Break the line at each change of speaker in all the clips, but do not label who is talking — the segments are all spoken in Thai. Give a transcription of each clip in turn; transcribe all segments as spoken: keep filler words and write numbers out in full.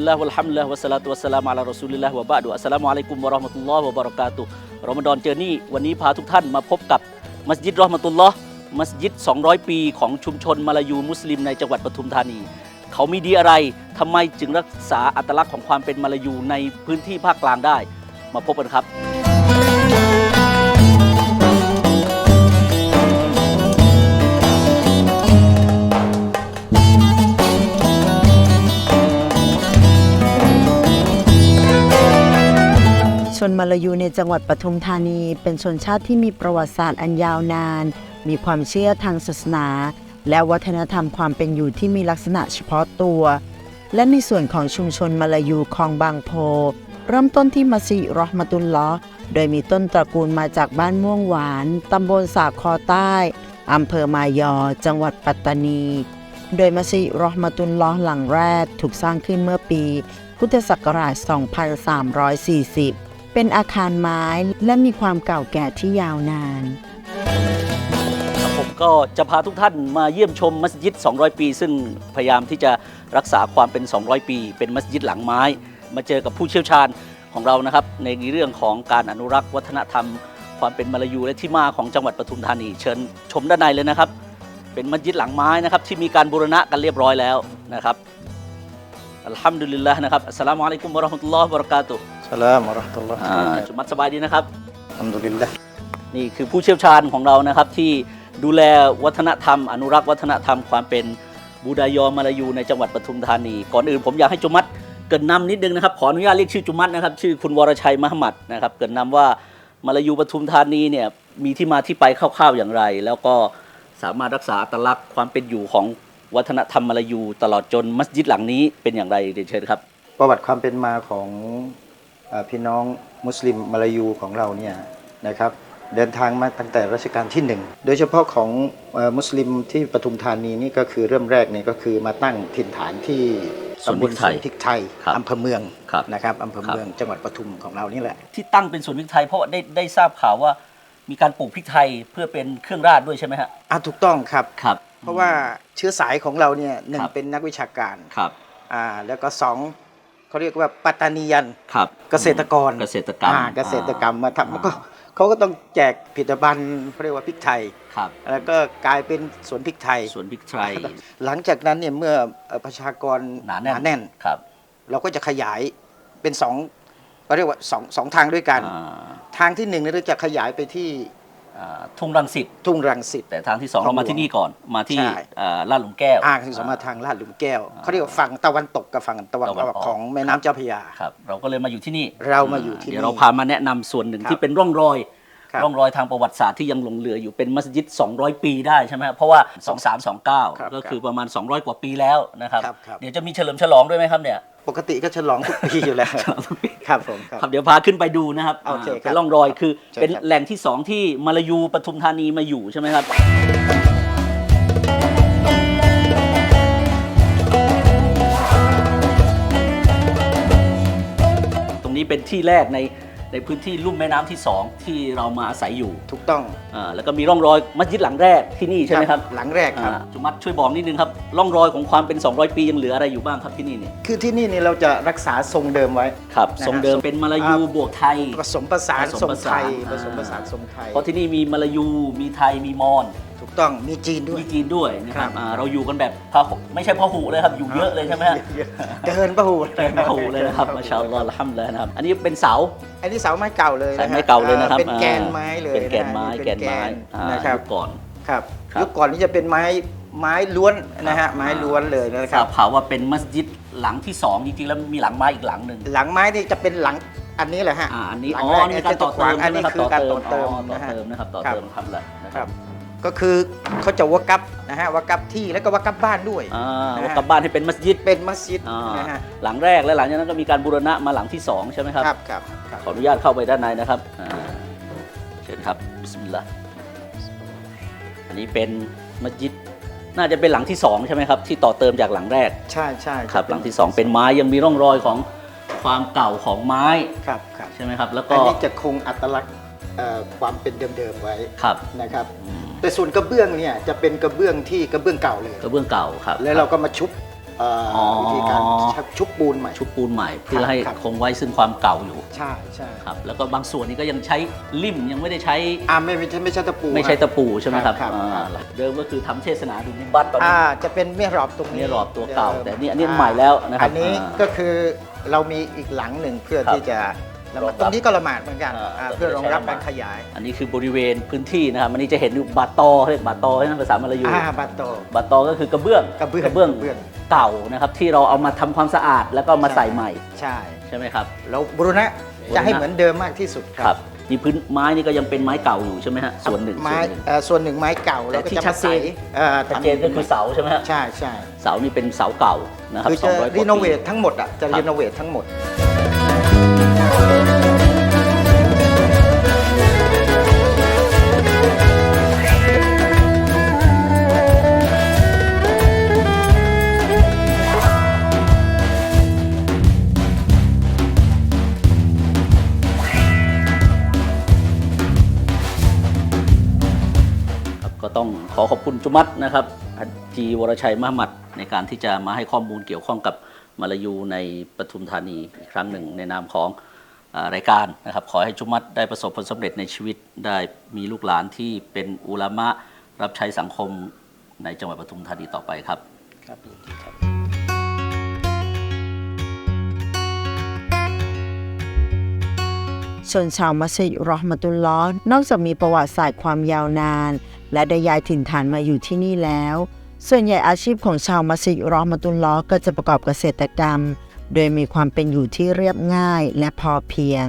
ลลาฮ์วัลฮัมดุลิลลาฮ์วะสลาตุวัสสลามุอะลารอซูลิลลาฮ์วะบะอ์ดุอัสสลามุอะลัยกุมวะเราะห์มะตุลลอฮ์วะบะเราะกาตุฮ์รอมฎอนเจอร์นี่วันนี้พาทุกท่านมาพบกับมัสยิดเราะห์มะตุลลอฮ์มัสยิดสองร้อยปีของชุมชนมาลายูมุสลิมในจังหวัดปทุมธานีเขามีดีอะไรทำไมจึงรักษาอัตลักษณ์ของความเป็นมาลายูในพื้นที่ภาคกลางได้มาพบกันครับ
ชนมาลายูในจังหวัดปทุมธานีเป็นชนชาติที่มีประวัติศาสตร์อันยาวนานมีความเชื่อทางศาสนาและวัฒนธรรมความเป็นอยู่ที่มีลักษณะเฉพาะตัวและในส่วนของชุมชนมาลายูคลองบางโพเริ่มต้นที่มัสยิดเราะห์มะตุลลอฮ์โดยมีต้นตระกูลมาจากบ้านม่วงหวานตำบลสาคอใต้อำเภอมายอจังหวัดปัตตานีโดยมัสยิดเราะห์มะตุลลอฮ์หลังแรกถูกสร้างขึ้นเมื่อปีพุทธศักราช สองพันสามร้อยสี่สิบเป็นอาคารไม้และมีความเก่าแก่ที่ยาวนาน
ผมก็จะพาทุกท่านมาเยี่ยมชมมัสยิดสองร้อยปีซึ่งพยายามที่จะรักษาความเป็นสองร้อยปีเป็นมัสยิดหลังไม้มาเจอกับผู้เชี่ยวชาญของเรานะครับในเรื่องของการอนุรักษ์วัฒนธรรมความเป็นมาลายูและที่มาของจังหวัดปทุมธานีเชิญชมด้านในเลยนะครับเป็นมัสยิดหลังไม้นะครับที่มีการบูรณะกันเรียบร้อยแล้วนะครับอัลฮัมดุลิลลาห์นะครับอัสสลามุอะลัยกุมวะเราะห์มะตุลลอฮ์วะบะเราะกาตุฮ์
สลามวะเราะห์มะตุลลอฮ์
จุมัดสบายดีนะครับ
อัลฮัมดุลิลลาห์
นี่คือผู้เชี่ยวชาญของเรานะครับที่ดูแลวัฒนธรรมอนุรักษ์วัฒนธรรมความเป็นบูดายอมาลายูในจังหวัดปทุมธานีก่อนอื่นผมอยากให้จุมัดเกริ่นนำนิดนึงนะครับขออนุญาตเรียกชื่อจุมัดนะครับชื่อคุณวรชัยมหมัดนะครับเกริ่นนำว่ามาลายูปทุมธานีเนี่ยมีที่มาที่ไปคร่าวๆอย่างไรแล้วก็สามารถรักษาอัตลักษณ์ความเป็นอยู่ของวัฒนธรรมมาลายูตลอดจนมัสยิดหลังนี้เป็นอย่างไรเดี๋ยวเชิญครับ
ประวัติความเป็นมาของพี่น้องมุสลิมมาลายูของเราเนี่ยนะครับเดินทางมาตั้งแต่รัชกาลที่หนึ่งโดยเฉพาะของมุสลิมที่ปทุมธานีนี่ก็คือเริ่มแรกเนี่ยก็คือมาตั้งถิ่นฐานที่ตำบลสวนพริกไทยอำเภอเมืองนะครับอำเภอเมืองจังหวัดปทุมของเรานี่แหละ
ที่ตั้งเป็นสวนพริกไทยเพราะได้ได้ทราบข่าวว่ามีการปลูกพริกไทยเพื่อเป็นเครื่องราชด้วยใช่ไหมฮะ
อ่ะถูกต้องครับ
ครับ
เพราะว่าเชื้อสายของเราเนี่ยหนึ่งเป็นนักวิชาการ
ครับ
อ่าแล้วก็สองเขาเรียกว่าปัตตานียัน
ครับ
เกษตรกร
เกษตรกรรม
เกษตรกรรมมาทำก็เขาก็ต้องแจกผลิตภัณฑ์เขาเรียกว่าพริกไทย
ครับ
แล้วก็กลายเป็นสวนพริกไทย
สวนพริกไทย
หลังจากนั้นเนี่ยเมื่อประชากร
หนาแน่น
แน่น
ครับ
เราก็จะขยายเป็นสองเขาเรียกว่าสองสองทางด้วยกันทางที่หนึ่งเราจะขยายไปที่
ทุ่งรังสิต
ทุ่งรังสิต
แต่ทางที่สองเรามาที่นี่ก่อนมาที่ลาดหลุมแก้ว
อ่าที่สองมาทางลาดหลุมแก้วเขาเรียกว่าฝั่งตะวันตกกับฝั่งตะวันออกของแม่น้ำเจ้าพระยา
ครับเราก็เลยมาอยู่ที่นี่
เรามาอยู่ที่นี่
เดี๋ยวเราพามาแนะนำส่วนหนึ่งที่เป็นร่องรอยร่องรอยทางประวัติศาสตร์ที่ยังหลงเหลืออยู่เป็นมัสยิดสองร้อยปีได้ใช่ไหมเพราะว่าสองพันสามร้อยยี่สิบเก้าก็คือประมาณสองร้อยกว่าปีแล้วนะครับเดี๋ยวจะมีเฉลิมฉลองด้วยไหมครับเนี่ย
ปกติก็ฉลองทุกปีอยู่แล้วครับผม
ครับเดี๋ยวพาขึ้นไปดูนะครับเป็นร่องรอยคือเป็นแหล่งที่สองที่มาลายูปทุมธานีมาอยู่ใช่ไหมครับตรงนี้เป็นที่แรกในในพื้นที่ลุ่มแม่น้ำที่สองที่เรามาอาศัยอยู่
ถูกต้อง
อ่าแล้วก็มีร่องรอยมัสยิดหลังแรกที่นี่ใช่ไหมครับ
หลังแรกครับ
จุมัดช่วยบอกนิดนึงครับร่องรอยของความเป็นสองร้อยปียังเหลืออะไรอยู่บ้างครับที่นี่เนี่ย
คือที่นี่เนี่ยเราจะรักษาทรงเดิมไว้
ครับทรงเดิมเป็นมาลายูบวกไทย
ผสมผสานทรงไทยผสมผสานทรงไทย
เพราะที่นี่มีมาลายูมีไทยมีมอญ
ถูกต้องมีจีนด้วย
มีจีนด้วยนะครับเราอยู่กันแบบพหุไม่ใช่พหุเลยครับอยู่เยอะเลยใช่ไหมฮะ
เดินพหุ
เดินพหุเลยนะครับมาชาอัลลอฮ์อัลฮัมดุลิลลาห์นะครับอันนี้เป็นเสา
อันนี้เสาไม้เก่าเลย
นะไม้เก่าเลยนะครับ
เป็นแกนไม้เลย
เป็นแกนไม้แกนไม้
นะครับ
ก่อน
ครับยุคก่อนนี้จะเป็นไม้ไม้ล้วนนะฮะไม้ล้วนเลยนะครับ
ทราบข่าวว่าเป็นมัสยิดหลังที่สองจริงๆแล้วมีหลังไม้อีกหลังหนึ่ง
หลังไม้นี่จะเป็นหลังอันนี้แหละฮะ
อันนี้อ๋อนี่การต่อเติม
อันนี้คือการต่อเติม
นะฮะนะครับต่อเติมทำแหละ
นะครับก็คือเขาจะวะกับนะฮะวะกับที่แล้วก็วะกับบ้านด้วย
วะกับบ้านให้เป็นมัสยิด
เป็นมัสยิด
นะฮะหลังแรกและหลังจากนั้นก็มีการบูรณะมาหลังที่สองใช่ไหมครับ
ครับครับ
ขออนุญาตเข้าไปด้านในนะครับเชิญครับบิสมิลลาห์อันนี้เป็นมัสยิดน่าจะเป็นหลังที่สองใช่ไหมครับที่ต่อเติมจากหลังแรก
ใช่ใช่
ครับหลังที่สองเป็นไม้ยังมีร่องรอยของความเก่าของไม้
ครับครับ
ใช่ไหมครับแล้วก็
อันนี้จะคงอัตลักษณ์ความเป็นเดิมๆไว้
ครับ
นะครับแต่ส่วนกระเบื้องเนี่ยจะเป็นกระเบื้องที่กระเบื้องเก่าเลย
กระเบื้องเก่าครับ
แล้วเราก็มาชุบเอ่อ
อ๋อ
วิธีการชุบปูนใหม่
ชุบปูนใหม่เพื่อให้
ครับ
คงไว้ซึ่งความเก่าอยู่
ใช่ใช่
ครับแล้วก็บางส่วนนี้ก็ยังใช้ลิ่มยังไม่ได้ใช้
อ่าไม่ไม่ใช่ไม่ใช่ตะปู
ไม่ใช่ตะปูใช่ไหมครับ
ครับ
อ่า
ครับ
เดิมก็คือทำเทศนาดุลนิบัตตอนนี้
อ่าจะเป็นเมียรอบตรงนี้
เมียรอบตัวเก่า
ดิม
แต่นี่อันนี้ใหม่แล้วนะครับ
อันนี้
อ่า
ก็คือเรามีอีกหลังหนึ่งเพื่อ
ครับ
ที่จะละหมาด
รองรับ
ตรงนี้ก็ละหมาดเหมือนกัน
อ่า
อ่า
ก็
เพื่อรองรับ
ใช้ละหมา
กา
ด
รขยาย
อันนี้คือบริเวณพื้นที่นะครับอันนี้จะเห็นอยู่บาตอเรียกบาตอใช่ไหมภาษามลายู
อ่าบาโต
บาตอก็คือกระเบื้อง
กระเบื้อง
กระเบื้อง
กระเบื้อง
เก่านะครับที่เราเอามาทำความสะอาดแล้วก็มา
ใช่
ใส่ใหม่
ใช่
ใช่ไหมครับ
เราบูรณะจะให้เหมือนเดิมมากที่สุดค
ค
รั
รับ บนี่พื้นไม้นี่ก็ยังเป็นไม้เก่าอยู่ใช่ไหมฮะส่วนหนึ่ง
ไม้
ส่วนหนึ่ง
เอ่อส่วนหนึ่งไม้เก่า
แต่
แล้วก็
ที่
จะ
ชั
มา
ดเจ
ใส่
น
เอ่อ
ชัดเจนก็คือเสาใช่ไหมฮะ
ใช่ใช่
เสานี่เป็นเสาเก่านะครับ
คือ
สอ
จะ
งร้อยกว่า
รีโนเว
ปี
ททั้งหมดอ่ะจะ
ครับ
รีโนเวททั้งหมด
ครับก็ต้องขอขอบคุณจุมัดนะครับฮัจจีวรชัยมหมัดในการที่จะมาให้ข้อมูลเกี่ยวข้องกับมาลายูในปทุมธานีอีกครั้งหนึ่งในนามของอ่ารายการนะครับขอให้จุมัดได้ประสบผลสำเร็จในชีวิตได้มีลูกหลานที่เป็นอุลามะรับใช้สังคมในจังหวัดปทุมธานีต่อไปครับ
ครับยินดีครับ
ชนชาวมัสยิดรอห์มะตุลลอฮ์นอกจากมีประวัติศาสตร์ความยาวนาน และได้ย้ายถิ่นฐานมาอยู่ที่นี่แล้ว ส่วนใหญ่อาชีพของชาวมัสยิดรอห์มะตุลลอฮ์ก็จะประกอบเกษตรกรรม โดยมีความเป็นอยู่ที่เรียบง่ายและพอเพียง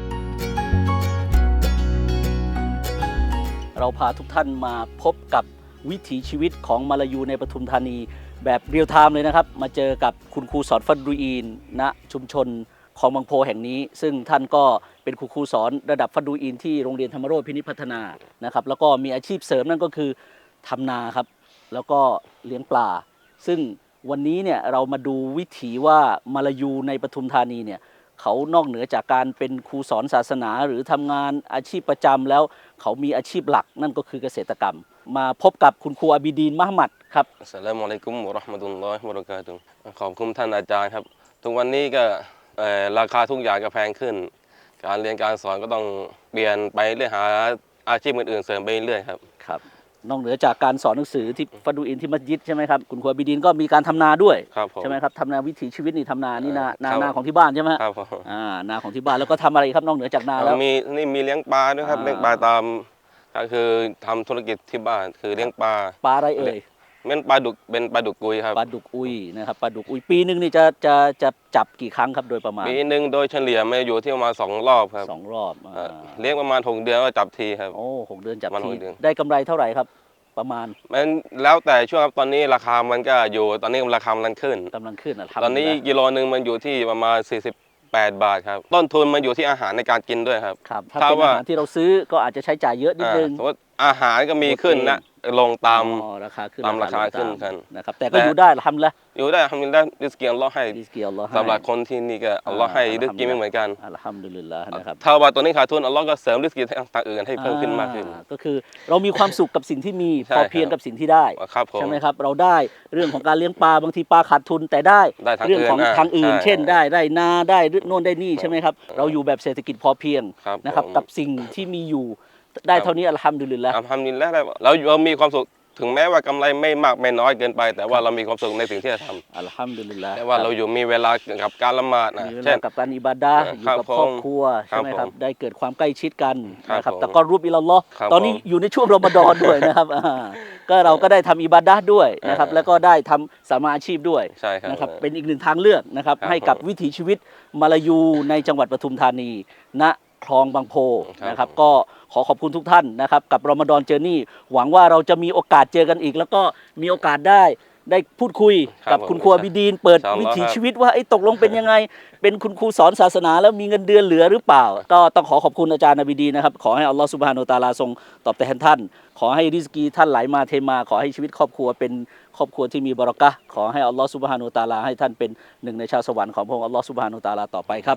เราพาทุกท่านมาพบกับวิถีชีวิตของมาลายูในปทุมธานีแบบเรียลไทม์เลยนะครับ มาเจอกับคุณครูสอนฟัดรุอีนณชุมชนของบางโพแห่งนี้ ซึ่งท่านก็เป็นครูครูสอนระดับฟัดรุอีนที่โรงเรียนธรรมโรจน์พินิจพัฒนานะครับแล้วก็มีอาชีพเสริมนั่นก็คือทำนาครับแล้วก็เลี้ยงปลา ซึ่งวันนี้เนี่ยเรามาดูวิถีว่ามาลายูในปทุมธานีเนี่ยเขานอกเหนือจากการเป็นครูสอนศาสนา หรือทำงานอาชีพประจำแล้วเขามีอาชีพหลักนั่นก็คือเกษตรกรรม มาพบกับคุณครูอาบิดีนมหมัดครับ
อัสสลามุอะลัยกุมวะเราะห์มะตุลลอฮิวะบะเราะกาตุฮ์ขอบคุณท่านอาจารย์ครับ ทุกวันนี้ก็เอ่อราคาทุกอย่างก็แพงขึ้น การเรียนการสอนก็ต้องเปลี่ยนไปเรื่อยหาอาชีพอื่นๆเสริมไปเรื่อยครับ
ครับนอกเหนือจากการสอนหนังสือที่ฟัดดูอินที่มัสยิดใช่ไหมครับคุณครูอาบิดีนก็มีการทำนาด้วย
ครับผม
ใช่ไหมครับทำนาวิถีชีวิตนี่ทำนานี่นานา
ครับ
นาของที่บ้านใช่ไหมฮะ
ครับผม
อ่านาของที่บ้านแล้วก็ทำอะไรครับนอกเหนือจากนาแล้ว
มีนี่มีเลี้ยงปลาด้วยครับ
อ่า
เลี้ยงปลาตามก็คือทำธุรกิจที่บ้านคือเลี้ยงปลา
ปลาอะไรเอ่ย
เป็นปลาดุกเป็นปลาดุกกุยครับ
ปลาดุกอุยนะครับปลาดุกอุยปีหนึ่งนี่จะจะจะจับกี่ครั้งครับโดยประมาณ
ปีหนึ่งโดยเฉลี่ยมาอยู่ที่ประมาณสองรอบครับ
สองรอบ
เอ่
อ่า
อเลี้ยงประมาณหกเดือนก็จับทีครับ
โอ้หกเดือนจับ
ประมาณ
ที
หกเดือน
ได้กำไรเท่าไหร่ครับ ประมาณ
มันแล้วแต่ช่วงครับตอนนี้ราคามันก็อยู่ตอนนี้ราคามันขึ้น
กำลังขึ้นนะ
ตอนนี้กิโลหนึ่งมันอยู่ที่ประมาณสี่สิบแปดบาทครับต้นทุนมันอยู่ที่อาหารในการกินด้วยครับ
ครับถ้า
ถ้า
เป็น
ว่า
อาหารที่เราซื้อก็อาจจะใช้จ่ายเยอะนิด
อ่า
นึง
สมมติอาหารก็มีขึ้นนะลงตาม
อ๋อราคาขึ้น
ตามราคา
ลง
ขึ้นกัน
นะครับแต่ก็อยู่ได้ทำแล้ว
อยู่ได้ทำได้ดิสเกียร์อัลเลอฮ์ให้
ดิสเกียร์อัลลอฮ์ให้
สำหรับคนที่นี่ก็อัลเลอฮ์ให้ดิสกีไม่เหมือนกัน
อัลฮัมดุลิลลาห์นะครับ
ถ้าว่าตัวนี้ขาดทุนอัลเลอฮ์ก็เสริมดิสกีทางอื่นให้เพิ่มขึ้นมากขึ้น
อ่ก็คือเรามีความสุขกับสิ่งที่มี
ใช่
พอเพียงกับสิ่งที่ได้
ครับผม
ใช่ไหมครับเราได้เรื่องของการเลี้ยงปลาบางทีปลาขาดทุนแต่ได้
ได้ทาง
เรื่องของ
อื่นอ่ะ
ทางอื่น
ใช่
เช่นได้ได้นาได้โน่นได้นี่ใช่ไหมครับเราอยู่แบบเศรษฐกิจพอเพียง
ครับ
นะครับ
ผม
กับสิ่งที่มีอยู่ได้เท่านี้อัลฮัมดุลิลลาห์
ทำนินแล้วเราเรามีความสุขถึงแม้ว่ากำไรไม่มากไม่น้อยเกินไป แต่ว่าเรามีความสุขในสิ่งที่เราทำ
อัลฮัมดุลิลลาห์
แต่ว่าเราอยู่มีเวลากับการละหมาดนะ
มีเว
เช่
ลาน กับการอิบาดะห์อยู่
ครับ
กับครอบ
ผม
ครัวใช่ไหมครับ
ครับผม
ได้เกิดความใกล้ชิดกัน
ครับ
นะครับ
ผม
แต่ก็รูปอิลลอฮ์
ครับ
ตอนนี้
ผม
อยู่ในช่วงรอมฎอนด้วยนะครับอ่าก็เราก็ได้ทำอิบาดะห์ด้วยนะครับ
อ่า
แล้วก็ได้ทำสามาอาชีพด้วย
ใช่ครับ
นะครับเป็นอีกหนึ่งทางเลือกนะครับ
ครับ
ให้กับ
ผม
วิถีชีวิตมาลายูในจังหวัดปทุมธานีณคลองบางโพ
ครับ
นะครับก็ขอขอบคุณทุกท่านนะครับกับรอมฎอนเจอร์นี่หวังว่าเราจะมีโอกาสเจอกันอีก แล้วก็มีโอกาสได้ได้พูดคุย
ครับ
กับ
ผม
คุณครูอาบิดีน เปิด
อินชาอัลลอฮ์
วิถี
ครับ
ชีวิตว่าไอ้ตกลงเป็นยังไง เป็นคุณครูสอนศาสนาแล้วมีเงินเดือนเหลือหรือเปล่า ก็ต้องขอขอบคุณอาจารย์อาบิดีนนะครับขอให้อัลลอฮฺซุบฮานุวะตะอาลาทรงตอบแทนท่าน ขอให้ริสกีท่านไหลมาเทมา ขอให้ชีวิตครอบครัวเป็นครอบครัวที่มีบารอกะห์ขอให้อัลลอฮฺซุบฮานุวะตะอาลาให้ท่านเป็นหนึ่งในชาวสวรรค์ของพระองค์อัลลอฮฺซุบฮานุวะตะอาลาต่อไปครับ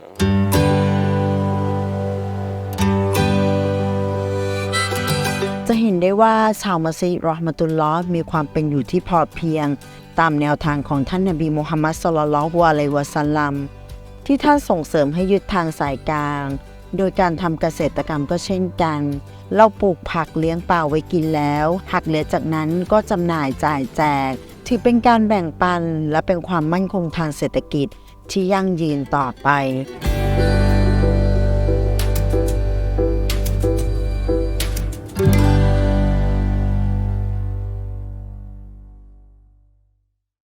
จะเห็นได้ว่าชาวมัสยิดรอห์มะตุลลอฮ์มีความเป็นอยู่ที่พอเพียงตามแนวทางของท่านนบีมุฮัมมัด ศ็อลลัลลอฮุอะลัยฮิวะซัลลัมที่ท่านส่งเสริมให้ยึดทางสายกลางโดยการทำเกษตรกรรมก็เช่นกันเราปลูกผักเลี้ยงปลาไว้กินแล้วหักเหลือจากนั้นก็จำหน่ายจ่ายแจกถือเป็นการแบ่งปันและเป็นความมั่นคงทางเศรษฐกิจที่ยั่งยืนต่อไป